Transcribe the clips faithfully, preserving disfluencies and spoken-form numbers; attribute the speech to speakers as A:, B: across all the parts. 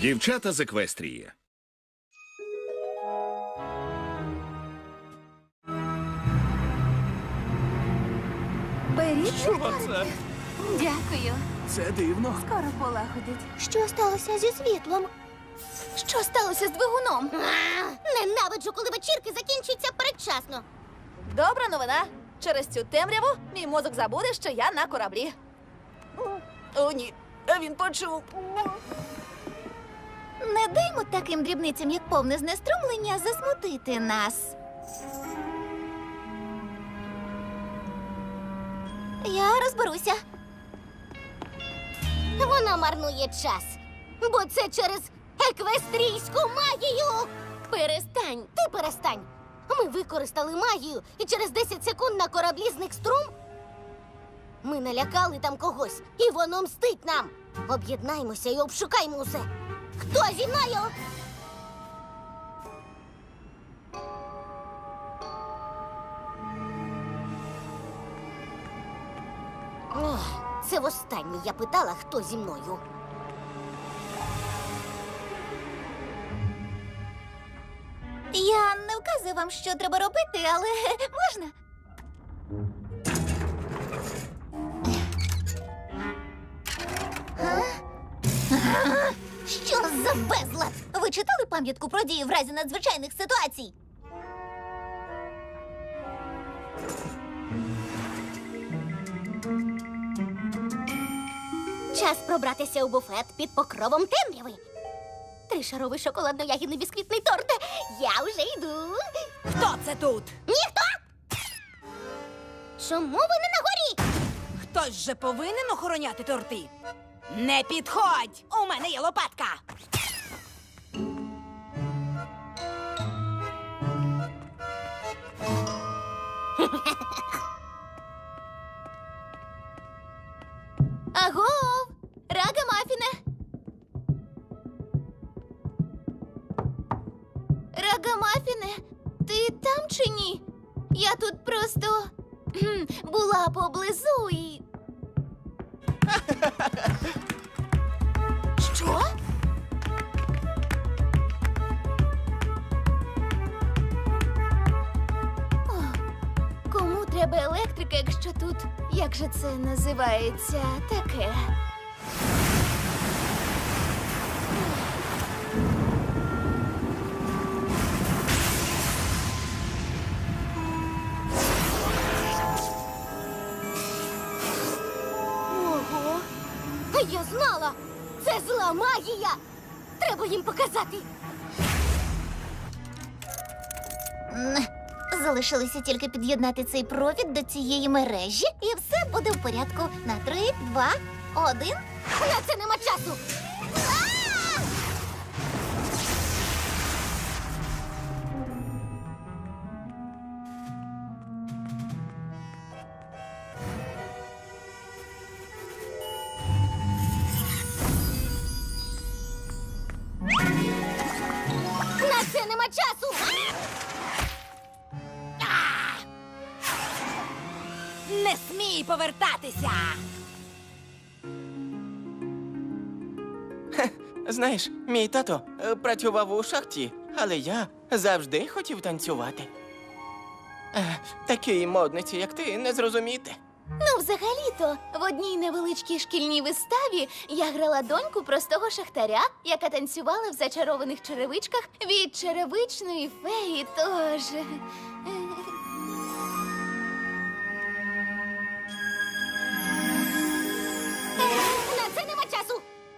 A: Дівчата з Еквестрії.
B: Беріть.
C: Що це?
B: Дякую.
C: Це дивно.
B: Скоро полагодить.
D: Що сталося зі світлом?
B: Що сталося з двигуном?
D: Ненавиджу, коли вечірки закінчуються передчасно.
B: Добра новина. Через цю темряву мій мозок забуде, що я на кораблі. О, ні. Він почув.
D: Не даймо таким дрібницям, як повне знеструмлення, засмутити нас. Я розберуся.
E: Вона марнує час, бо це через еквестрійську магію. Перестань, ти перестань. Ми використали магію, і через десять секунд на кораблі зник струм. Ми налякали там когось, і воно мстить нам. Об'єднаймося і обшукаймо усе. Хто зі мною? Ох, це востаннє я питала, хто зі мною.
D: Я не вказую вам, що треба робити, але можна? Що за безлад? Ви читали пам'ятку про дії в разі надзвичайних ситуацій?
E: Час пробратися у буфет під покровом темряви. Тришаровий шоколадно-ягідний бісквітний торт. Я вже йду.
B: Хто це тут?
E: Ніхто! Чому ви не на горі?
B: Хтось же повинен охороняти торти. Не підходь! У мене є лопатка.
D: Агов! Рагамафіне! Рагамафіне, ти там чи ні? Я тут просто кхм, була поблизу і... Що? О, кому треба електрика, якщо тут, як же це називається, таке?
E: Ого! Я знала! Це зла магія! Треба їм показати!
D: М, Залишилося тільки під'єднати цей провід до цієї мережі, і все буде в порядку. На три, два, один.
E: На це нема часу! А! На це нема часу!
B: Не смій повертатися!
C: Знаєш, мій тато е, працював у шахті, але я завжди хотів танцювати. Е, Такій модниці, як ти, не зрозуміти.
D: Ну, взагалі-то, в одній невеличкій шкільній виставі я грала доньку простого шахтаря, яка танцювала в зачарованих черевичках від черевичної феї, тож... е,
E: На це нема часу!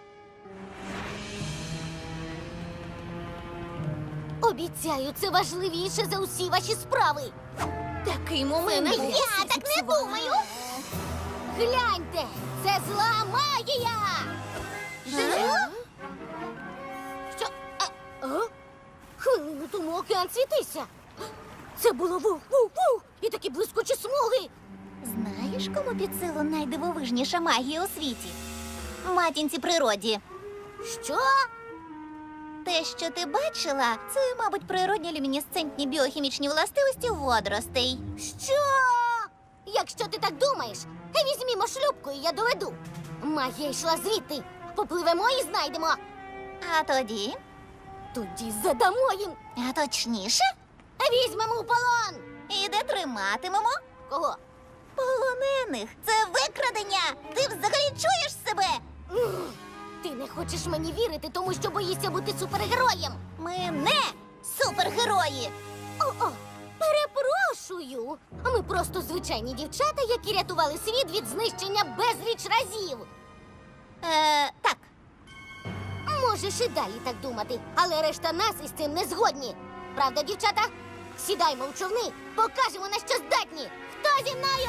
E: Обіцяю, це важливіше за усі ваші справи.
D: Такий момент був.
E: Я так не думаю. Гляньте, це зла магія. Що? Що? А, а? Хвилину тому океан світився. Це було вух-вух-вух і такі блискучі смуги.
D: Знаєш, кому під силу найдивовижніша магія у світі? Матінці природі.
E: Що?
D: Те, що ти бачила, це, мабуть, природні люмінесцентні біохімічні властивості водоростей.
E: Що? Якщо ти так думаєш, візьмімо шлюпку і я доведу. Магія йшла звідти. Попливемо і знайдемо.
D: А тоді?
E: Тоді задамо їм.
D: А точніше?
E: Візьмемо у полон.
D: І де триматимемо?
E: Кого?
D: Полонених. Це викрадення. Ти взагалі чуєш себе?
E: Ух, Ти не хочеш мені вірити, тому що боїшся бути супергероєм.
D: Ми не супергерої.
E: О-о, перепрошую. Ми просто звичайні дівчата, які рятували світ від знищення безліч разів.
D: Е, так.
E: Можеш і далі так думати, але решта нас із цим не згодні. Правда, дівчата? Сідаймо в човни, покажемо, на що здатні. Хто зі мною?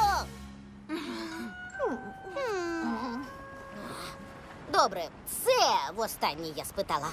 E: Добре, це востаннє я спитала.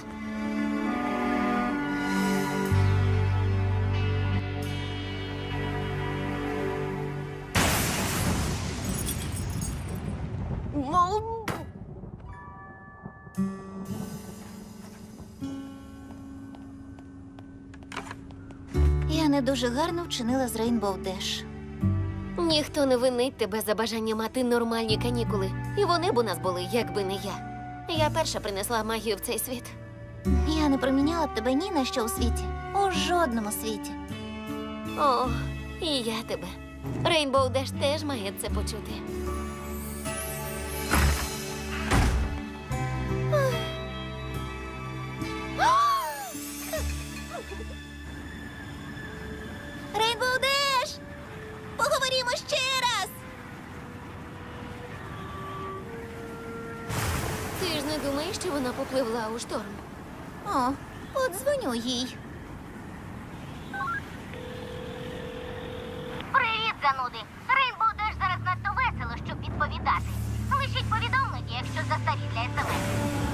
D: Я не дуже гарно вчинила з Рейнбоу Деш.
A: Ніхто не винить тебе за бажання мати нормальні канікули. І вони б у нас були, якби не я. Я перша принесла магію в цей світ.
D: Я не проміняла б тебе ні на що у світі. У жодному світі.
A: О, і я тебе. Рейнбоу Деш теж має це почути.
D: Рейнбоу Деш! Поговоримо ще раз!
A: Ти ж не думаєш, що вона попливла у шторм?
D: О, подзвоню їй.
E: Привіт, зануди! Рейнбоу Деш зараз надто весело, щоб відповідати. Лишіть повідомлення, якщо застарі для смс.